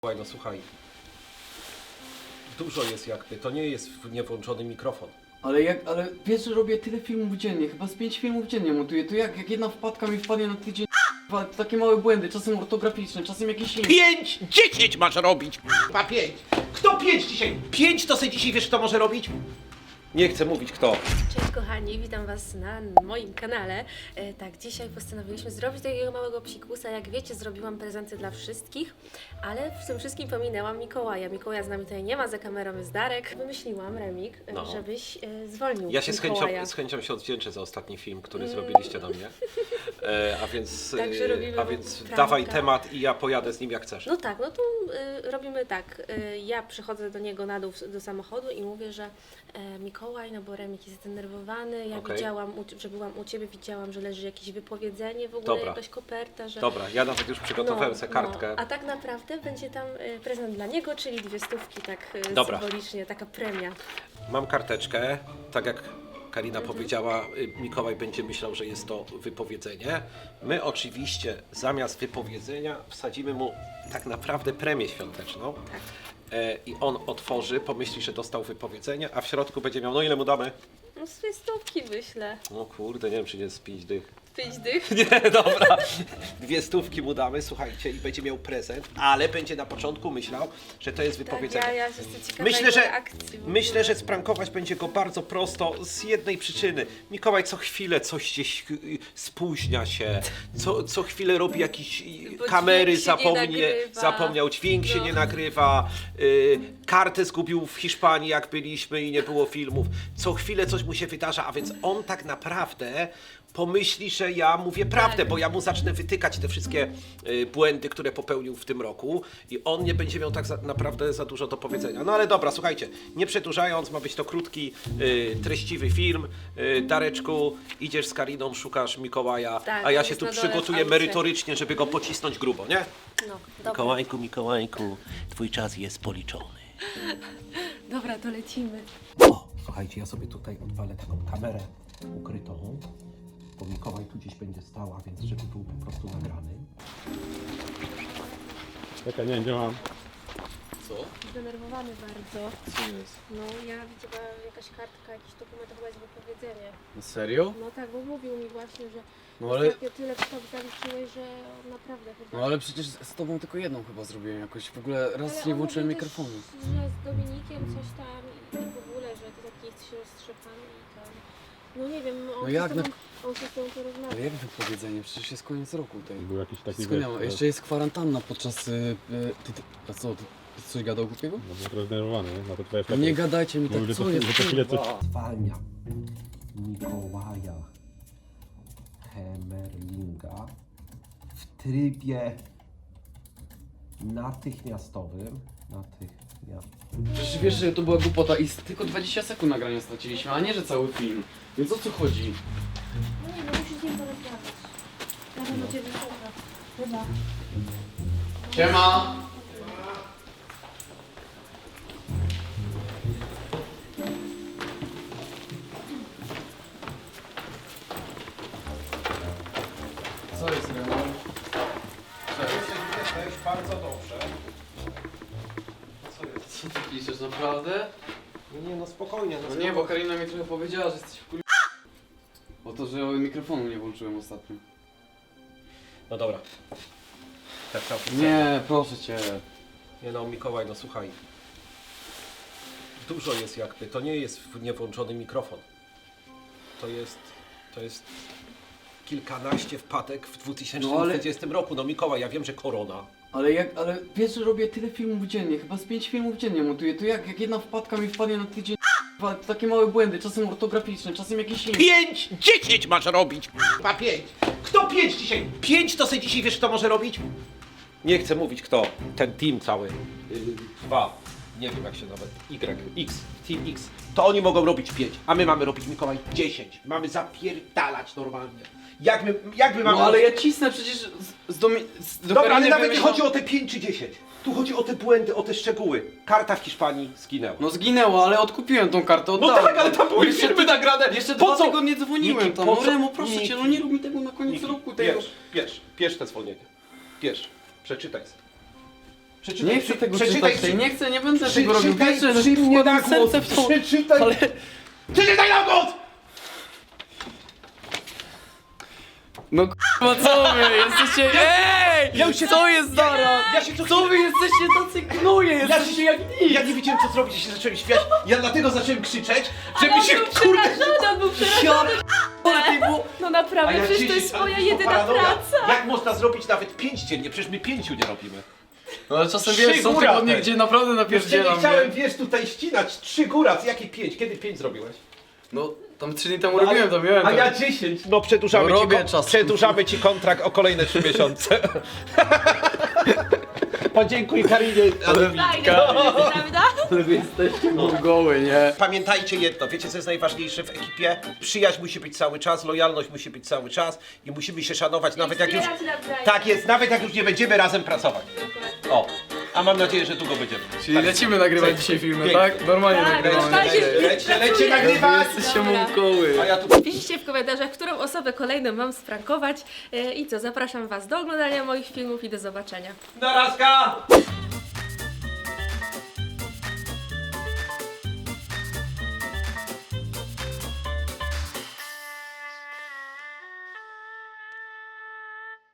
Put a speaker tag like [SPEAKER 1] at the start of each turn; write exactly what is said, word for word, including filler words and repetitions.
[SPEAKER 1] Słuchaj, no słuchaj, dużo jest jakby, to nie jest niewłączony mikrofon.
[SPEAKER 2] Ale jak, ale wiesz, że robię tyle filmów dziennie, chyba z pięć filmów dziennie montuję, to jak, jak jedna wpadka mi wpadnie na tydzień, to takie małe błędy, czasem ortograficzne, czasem jakieś inne.
[SPEAKER 1] Pięć! Dziesięć masz robić! Chyba pięć! Kto pięć dzisiaj? Pięć to sobie dzisiaj wiesz kto może robić? Nie chcę mówić kto.
[SPEAKER 3] Cześć kochani, witam was na moim kanale. E, tak, dzisiaj postanowiliśmy zrobić takiego małego psikusa. Jak wiecie, zrobiłam prezenty dla wszystkich, ale w tym wszystkim pominęłam Mikołaja. Mikołaja z nami tutaj nie ma, za kamerą jest Darek. Wymyśliłam, Remik, e,
[SPEAKER 1] No.
[SPEAKER 3] żebyś e, zwolnił
[SPEAKER 1] Ja się z
[SPEAKER 3] Mikołaja.
[SPEAKER 1] chęcią, z chęcią się odwdzięczę za ostatni film, który zrobiliście do mnie. E, a więc,
[SPEAKER 3] Także robimy
[SPEAKER 1] a więc
[SPEAKER 3] pranka.
[SPEAKER 1] dawaj temat i ja pojadę z nim jak chcesz.
[SPEAKER 3] No tak, no to y, robimy tak. Y, ja przychodzę do niego na dół do samochodu i mówię, że e, Mikołaj, no bo Remik jest zdenerwowany. Ja
[SPEAKER 1] Okej.
[SPEAKER 3] widziałam, u, że byłam u ciebie, widziałam, że leży jakieś wypowiedzenie, w ogóle
[SPEAKER 1] Dobra.
[SPEAKER 3] jakaś koperta, że.
[SPEAKER 1] Dobra, ja nawet już przygotowałem sobie kartkę.
[SPEAKER 3] No, a tak naprawdę będzie tam y, prezent dla niego, czyli dwie stówki, tak y,
[SPEAKER 1] Dobra.
[SPEAKER 3] symbolicznie, taka premia.
[SPEAKER 1] Mam karteczkę, tak jak Karina powiedziała, y, Mikołaj będzie myślał, że jest to wypowiedzenie. My oczywiście zamiast wypowiedzenia wsadzimy mu tak naprawdę premię świąteczną.
[SPEAKER 3] Tak.
[SPEAKER 1] E, I on otworzy, pomyśli, że dostał wypowiedzenie, a w środku będzie miał, no ile mu damy?
[SPEAKER 3] No z dwie stówki wyślę.
[SPEAKER 1] No kurde, nie wiem czy nie z pięć dych.
[SPEAKER 3] Pięć dych.
[SPEAKER 1] Nie, dobra. Dwie stówki mu damy, słuchajcie, i będzie miał prezent, ale będzie na początku myślał, że to jest
[SPEAKER 3] Tak,
[SPEAKER 1] wypowiedzenie.
[SPEAKER 3] ja, ja jestem ciekawa
[SPEAKER 1] Myślę,
[SPEAKER 3] jego
[SPEAKER 1] że,
[SPEAKER 3] reakcji w ogóle.
[SPEAKER 1] myślę, że sprankować będzie go bardzo prosto z jednej przyczyny. Mikołaj co chwilę coś gdzieś y, spóźnia się, co, co chwilę robi jakieś y,
[SPEAKER 3] Bo
[SPEAKER 1] kamery,
[SPEAKER 3] dźwięk się nie
[SPEAKER 1] zapomnie,
[SPEAKER 3] nagrywa.
[SPEAKER 1] zapomniał, dźwięk się
[SPEAKER 3] No.
[SPEAKER 1] nie nagrywa, y, kartę zgubił w Hiszpanii jak byliśmy i nie było filmów. Co chwilę coś mu się wydarza, a więc on tak naprawdę pomyśli, że ja mówię prawdę, bo ja mu zacznę wytykać te wszystkie y, błędy, które popełnił w tym roku i on nie będzie miał tak za, naprawdę za dużo do powiedzenia. No ale dobra, słuchajcie, nie przedłużając, ma być to krótki, y, treściwy film. Y, Dareczku, idziesz z Kariną, szukasz Mikołaja,
[SPEAKER 3] Tak,
[SPEAKER 1] a ja
[SPEAKER 3] on
[SPEAKER 1] się
[SPEAKER 3] jest
[SPEAKER 1] tu
[SPEAKER 3] na dole w
[SPEAKER 1] przygotuję
[SPEAKER 3] aucie.
[SPEAKER 1] merytorycznie, żeby go pocisnąć grubo, nie?
[SPEAKER 3] No, dobra.
[SPEAKER 1] Mikołajku, Mikołajku, twój czas jest policzony.
[SPEAKER 3] Dobra, to lecimy.
[SPEAKER 1] O, słuchajcie, ja sobie tutaj odwalę taką kamerę ukrytą, bo Mikołaj tu gdzieś będzie stała, więc żeby był po prostu nagrany.
[SPEAKER 4] Czekaj, nie wiem gdzie mam.
[SPEAKER 1] Co?
[SPEAKER 3] Zdenerwowany bardzo.
[SPEAKER 4] Co jest?
[SPEAKER 3] No, ja widziałam jakaś kartka, jakiś dokument, chyba jest wypowiedzenie.
[SPEAKER 2] Serio?
[SPEAKER 3] No tak, bo mówił mi właśnie, że
[SPEAKER 2] No ale,
[SPEAKER 3] ostatnio tyle w to zaliczyłeś, że on naprawdę chyba...
[SPEAKER 2] no ale przecież z tobą tylko jedną chyba zrobiłem jakoś, w ogóle raz
[SPEAKER 3] Ale
[SPEAKER 2] nie
[SPEAKER 3] on
[SPEAKER 2] włączyłem
[SPEAKER 3] mówił
[SPEAKER 2] mikrofonu.
[SPEAKER 3] Też, że z Dominikiem coś tam i w ogóle, że to taki jest roztrzepany i tam... No nie wiem, on,
[SPEAKER 2] No
[SPEAKER 3] się,
[SPEAKER 2] jak
[SPEAKER 3] z tobą,
[SPEAKER 2] na-
[SPEAKER 3] on się z tobą porozmawiał.
[SPEAKER 2] Ale jak wypowiedzenie? Przecież jest koniec roku tej.
[SPEAKER 4] Był jakiś taki
[SPEAKER 2] Wszystko nie ma.
[SPEAKER 4] wiesz,
[SPEAKER 2] Jeszcze jest kwarantanna podczas... Y, y, ty, ty, a co, ty, ty coś gadał głupiego?
[SPEAKER 4] No był trochę zdenerwowany, nie? Na to twoje
[SPEAKER 2] No
[SPEAKER 4] flaki.
[SPEAKER 2] nie gadajcie mi tak,
[SPEAKER 4] Mówił, że
[SPEAKER 2] co
[SPEAKER 4] to-
[SPEAKER 2] jest?
[SPEAKER 4] że to chwilę coś-
[SPEAKER 2] kurwa?
[SPEAKER 1] Zwalnia Mikołaja Hemerlinga w trybie natychmiastowym. Natychmiastowym.
[SPEAKER 2] Przecież wiesz, że to była głupota i z tylko dwadzieścia sekund nagrania straciliśmy, a nie, że cały film. Więc o co chodzi?
[SPEAKER 3] No nie, no musisz z nim porozmawiać. Ja bym do ciebie słucha. Chyba.
[SPEAKER 2] Siema! Co jest, Renan?
[SPEAKER 1] Jesteś bardzo dobrze. Co jest?
[SPEAKER 2] Co ty piszesz, naprawdę?
[SPEAKER 1] Nie, nie, no spokojnie.
[SPEAKER 2] No nie, bo Karina mi trochę powiedziała, że jesteś w kur... O to, że mikrofonu nie włączyłem ostatnio.
[SPEAKER 1] No dobra. Tak całkiem
[SPEAKER 2] Nie, proszę cię.
[SPEAKER 1] Nie no, Mikołaj, no słuchaj. Dużo jest jakby, to nie jest niewłączony mikrofon. To jest, to jest kilkanaście wpadek w dwa tysiące dwudziestym roku. No Mikołaj, ja wiem, że korona.
[SPEAKER 2] Ale jak, ale wiesz, że robię tyle filmów dziennie, chyba z pięć filmów dziennie montuję, to jak, jak jedna wpadka mi wpadnie na tydzień, to takie małe błędy, czasem ortograficzne, czasem jakieś inne.
[SPEAKER 1] Pięć! Dziesięć masz robić! Chyba pięć! Kto pięć dzisiaj? Pięć to sobie dzisiaj wiesz kto może robić? Nie chcę mówić kto. Ten team cały. Yy, dwa. Nie wiem jak się nawet. Y, X, Team X. To oni mogą robić pięć, a my mamy robić, Mikołaj, dziesięć. Mamy zapierdalać normalnie. Jak my, jak my mamy...
[SPEAKER 2] No ale ja cisnę przecież z, z, domi, z do
[SPEAKER 1] Dobra, ale
[SPEAKER 2] Kariny
[SPEAKER 1] nawet nie
[SPEAKER 2] wymyślam-
[SPEAKER 1] chodzi o te pięć czy dziesięć. Tu chodzi o te błędy, o te szczegóły. Karta w Hiszpanii zginęła.
[SPEAKER 2] No zginęła, ale odkupiłem tą kartę,
[SPEAKER 1] No
[SPEAKER 2] oddałem.
[SPEAKER 1] tak, ale tam były
[SPEAKER 2] Jeszcze
[SPEAKER 1] filmy
[SPEAKER 2] ty-
[SPEAKER 1] nagrane.
[SPEAKER 2] Jeszcze
[SPEAKER 1] Po
[SPEAKER 2] dwa
[SPEAKER 1] co?
[SPEAKER 2] tygodnie dzwoniłem
[SPEAKER 1] Niki,
[SPEAKER 2] tam,
[SPEAKER 1] po
[SPEAKER 2] no
[SPEAKER 1] co?
[SPEAKER 2] Remo, proszę
[SPEAKER 1] Niki.
[SPEAKER 2] cię, no nie rób mi tego na koniec
[SPEAKER 1] Niki,
[SPEAKER 2] roku. Tego.
[SPEAKER 1] Bierz, bierz, bierz te zwolnienie. Bierz, przeczytaj sobie. Przeczytaj,
[SPEAKER 2] Nie chcę tego
[SPEAKER 1] przeczytaj,
[SPEAKER 2] czytać, nie chcę, nie będę
[SPEAKER 1] Przy,
[SPEAKER 2] tego robił.
[SPEAKER 1] czytaj,
[SPEAKER 2] Wiesz, że
[SPEAKER 1] przy mnie na
[SPEAKER 2] wkładam
[SPEAKER 1] głos,
[SPEAKER 2] serce w to.
[SPEAKER 1] przeczytaj,
[SPEAKER 2] Ale...
[SPEAKER 1] przeczytaj na głos!
[SPEAKER 2] No k***a, co wy? Jesteście... Ej!
[SPEAKER 1] Ja już się-
[SPEAKER 2] Co jest zaraz?
[SPEAKER 1] Ja się co
[SPEAKER 2] Co wy jesteście tacy knuje?
[SPEAKER 1] Ja,
[SPEAKER 2] Jesteście
[SPEAKER 1] się,
[SPEAKER 2] jak nic!
[SPEAKER 1] ja nie wiedziałem co zrobić, ja się zacząłem śmiać. Ja dlatego zacząłem krzyczeć, żeby
[SPEAKER 3] on
[SPEAKER 1] się
[SPEAKER 3] był
[SPEAKER 1] kurde...
[SPEAKER 3] przerażony, on był przerażony. No
[SPEAKER 1] A
[SPEAKER 3] naprawdę,
[SPEAKER 1] ja
[SPEAKER 3] przecież to
[SPEAKER 1] dziesięć,
[SPEAKER 3] jest
[SPEAKER 1] ale
[SPEAKER 3] moja
[SPEAKER 1] to
[SPEAKER 3] jedyna
[SPEAKER 1] paranoja.
[SPEAKER 3] praca.
[SPEAKER 1] Jak można zrobić nawet pięć dziennie? Przecież my pięciu nie robimy.
[SPEAKER 2] No ale czasem
[SPEAKER 1] Trzy
[SPEAKER 2] wiesz, są
[SPEAKER 1] góra,
[SPEAKER 2] tygodnie,
[SPEAKER 1] ten.
[SPEAKER 2] gdzie naprawdę
[SPEAKER 1] Jeszcze nie
[SPEAKER 2] napierdzielam,
[SPEAKER 1] chciałem,
[SPEAKER 2] nie?
[SPEAKER 1] wiesz, tutaj ścinać. Trzy góra, jakie pięć? Kiedy pięć zrobiłeś?
[SPEAKER 2] No, tam trzy dni temu robiłem, to miałem.
[SPEAKER 1] A
[SPEAKER 2] tak.
[SPEAKER 1] ja dziesięć. No przedłużamy,
[SPEAKER 2] No,
[SPEAKER 1] ci,
[SPEAKER 2] robię
[SPEAKER 1] kon-
[SPEAKER 2] czas.
[SPEAKER 1] przedłużamy ci kontrakt o kolejne trzy miesiące. Podziękuj Karinie.
[SPEAKER 3] Fajnie, prawda?
[SPEAKER 2] Ale wy jesteście mongoły, nie?
[SPEAKER 1] Pamiętajcie jedno, wiecie co jest najważniejsze w ekipie? Przyjaźń musi być cały czas, lojalność musi być cały czas i musimy się szanować nawet jak już...
[SPEAKER 3] wspierać nawzajem.
[SPEAKER 1] Tak jest, nawet jak już nie będziemy razem pracować. O, a mam nadzieję, że długo będziemy.
[SPEAKER 2] Czyli lecimy nagrywać dzisiaj filmy,
[SPEAKER 1] Pięknie.
[SPEAKER 2] tak? Normalnie
[SPEAKER 3] Tak,
[SPEAKER 2] nagrywamy.
[SPEAKER 3] tak,
[SPEAKER 2] dzisiaj.
[SPEAKER 3] jest.
[SPEAKER 1] Lecie, lecie nagrywać!
[SPEAKER 2] Jesteście
[SPEAKER 3] Dobra.
[SPEAKER 2] mongoły.
[SPEAKER 1] A ja tu...
[SPEAKER 3] Piszcie w komentarzach, którą osobę kolejną mam sprankować. E, I co, zapraszam Was do oglądania moich filmów i do zobaczenia.
[SPEAKER 1] Narazka!